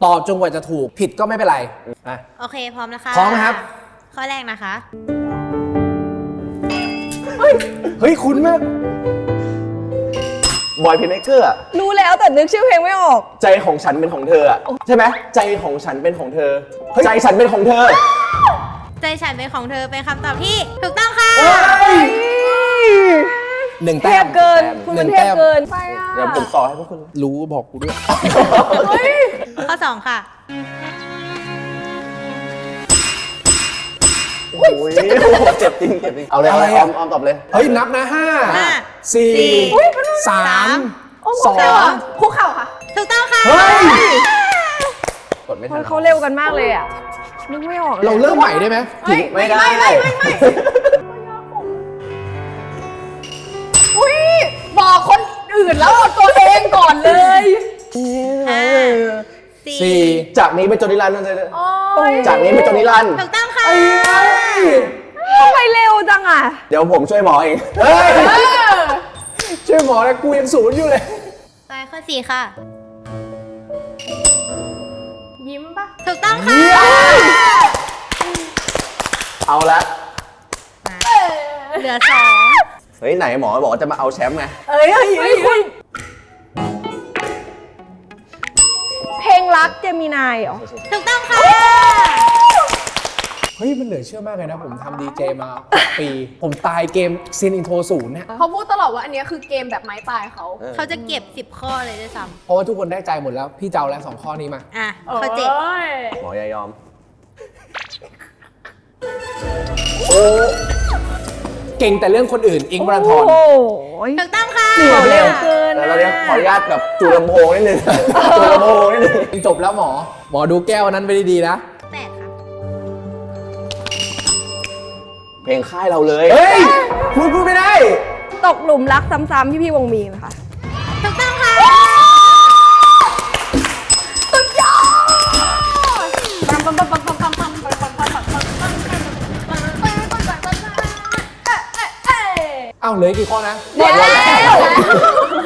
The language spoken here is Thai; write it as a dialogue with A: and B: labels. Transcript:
A: ตอบจนกว่าจะถูกผิดก็ไม่เป็นไรอ่ะ
B: โอเคพร้อมนะคะ
A: พร้อมครับ
B: ข้อแรกนะคะ
A: เฮ้ยคุณแม่
C: บอยเพนเมเกอร์
D: รู้แล้วแต่นึกชื่อเพลงไม่ออก
C: ใจของฉันเป็นของเธอใช่ไหมใจของฉันเป็นของเธอใจฉันเป็นของเธอ
B: ใจฉันเป็นของเธอเป็นคำตอบที่ถูกต้องค่ะ
A: หนึ่ง
D: เท
A: แต้
D: พ
A: ม
D: เกิน คุณเป็นเทพเกินไปอ่ะ
C: เดี๋ยวผมต่อให้พวกคุณ
A: รู้บอกกูด้วย
B: ข้อ 2 ค่ะ
C: โอ้ยเจ็บจริงเจ็บจริงเอาเลยเอาเลยออมตอบเลย
A: เฮ้ยนับนะห้า
B: ห้า
A: สี่
B: สี่
A: สาม
D: โอ้
A: สอง
D: คุกเข่าค่ะ
B: ถูกต้องค่ะ
A: เฮ้ย
C: กดไม่ทัน
D: เขาเร็วกันมากเลยอ่ะ นึกไม่ออกเลย
A: เราเริ่มใหม่ได้ไหม
C: ไม่ได้
D: อุ้ยบอกคนอื่นแล้วเอาตัวเองก่อนเลย
B: ห้า
A: สี่
B: สี่
C: จากนี้เป็นจนนิรันดร์นั่นเลย
D: โอ้ย
C: จากนี้เป็นจนนิรันดร์
B: ถูกต้องค่ะ
D: ทำไมเร็วจังอ่ะ
C: เดี๋ยวผมช่วยหมอเอง
A: เฮ้ยช่วยหมอนะกูยังศูนย์อยู่เลย
B: ไปข้อ 4 ค่ะ
D: ยิ้มปะ
B: ถูกต้องค่ะ
C: เอาละ
B: เหลือ
C: เฮ้ยไหนหมอบอกว่าจะมาเอาแชมป์ไง
D: เอ้ยคุณเพลงรักเจมินายเหรอ
B: 2 ถูกต้องค่ะ
A: เฮ้ยมันเหลือเชื่อมากเลยนะ ผมทำดีเจมา6 ปี ผมตายเกมซินอินโทร0เนี่ย
E: เขาพูดตลอดว่าอันเนี้ยคือเกมแบบไม้ตายเขา
B: เขาจะเก็บ 10 ข้อเลยด้วยซ้
A: เพราะว่าทุกคนได้ใจหมดแล้ว พี่เจ้าแล้ว2 ข้อนี้มา
B: ำอ่ะ ข้อ 7
C: หมออย่ายอม
A: เก่งแต่เรื่องคนอื่น อิงค์วรันทร
D: โอ้โห
B: ถูกต้องค่ะ
D: เร็วเกิน
C: แล้วเราเนี้ยขออนุญาตแบบจูลำโพงนิดนึงจูลำโพงนิดนึง
A: จบแล้วหมอ หมอดูแก้วนั้นไปดีๆนะ
B: 8 ค่ะ
C: เพลงค่ายเราเลย
A: เฮ้ยพูดไม่ได้
D: ตกหลุมรักซ้ำๆพี่วงมีนค่ะ
B: ถูกต้องค่ะ
A: เอ้าเหลืออีกกี่ข้อนะ
D: หมดแล้ว